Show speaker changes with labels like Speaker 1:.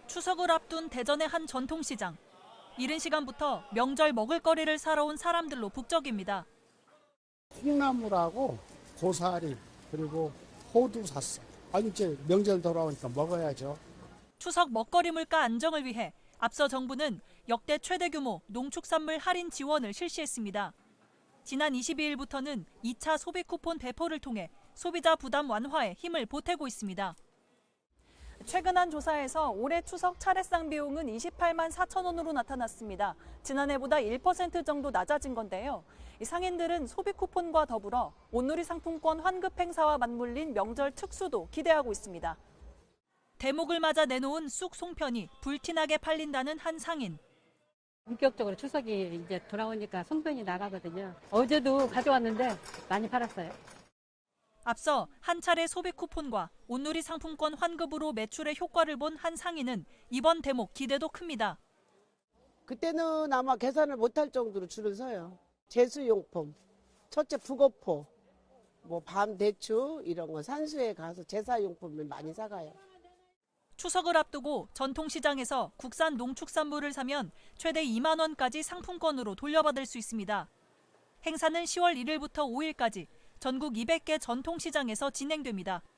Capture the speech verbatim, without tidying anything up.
Speaker 1: 추석을 앞둔 대전의 한 전통시장. 이른 시간부터 명절 먹을거리를 사러 온 사람들로 북적입니다.
Speaker 2: 콩나물하고 고사리 그리고 호두 샀어. 아니 이제 명절 돌아오니까 먹어야죠.
Speaker 1: 추석 먹거리 물가 안정을 위해 앞서 정부는 역대 최대 규모 농축산물 할인 지원을 실시했습니다. 지난 이십이일부터는 이 차 소비 쿠폰 배포를 통해 소비자 부담 완화에 힘을 보태고 있습니다. 최근 한 조사에서 올해 추석 차례상 비용은 이십팔만 사천 원으로 나타났습니다. 지난해보다 일 퍼센트 정도 낮아진 건데요. 이 상인들은 소비 쿠폰과 더불어 온누리 상품권 환급 행사와 맞물린 명절 특수도 기대하고 있습니다. 대목을 맞아 내놓은 쑥 송편이 불티나게 팔린다는 한 상인.
Speaker 3: 본격적으로 추석이 이제 돌아오니까 송편이 나가거든요. 어제도 가져왔는데 많이 팔았어요.
Speaker 1: 앞서 한 차례 소비 쿠폰과 온누리 상품권 환급으로 매출의 효과를 본 한 상인은 이번 대목 기대도 큽니다.
Speaker 4: 그때는 아마 계산을 못할 정도로 줄을 서요. 제수용품, 첫째 북어포, 뭐 밤대추 이런 거 산수에 가서 제사용품을 많이 사가요.
Speaker 1: 추석을 앞두고 전통시장에서 국산 농축산물을 사면 최대 이만 원까지 상품권으로 돌려받을 수 있습니다. 행사는 시월 일일부터 오일까지 전국 이백 개 전통시장에서 진행됩니다.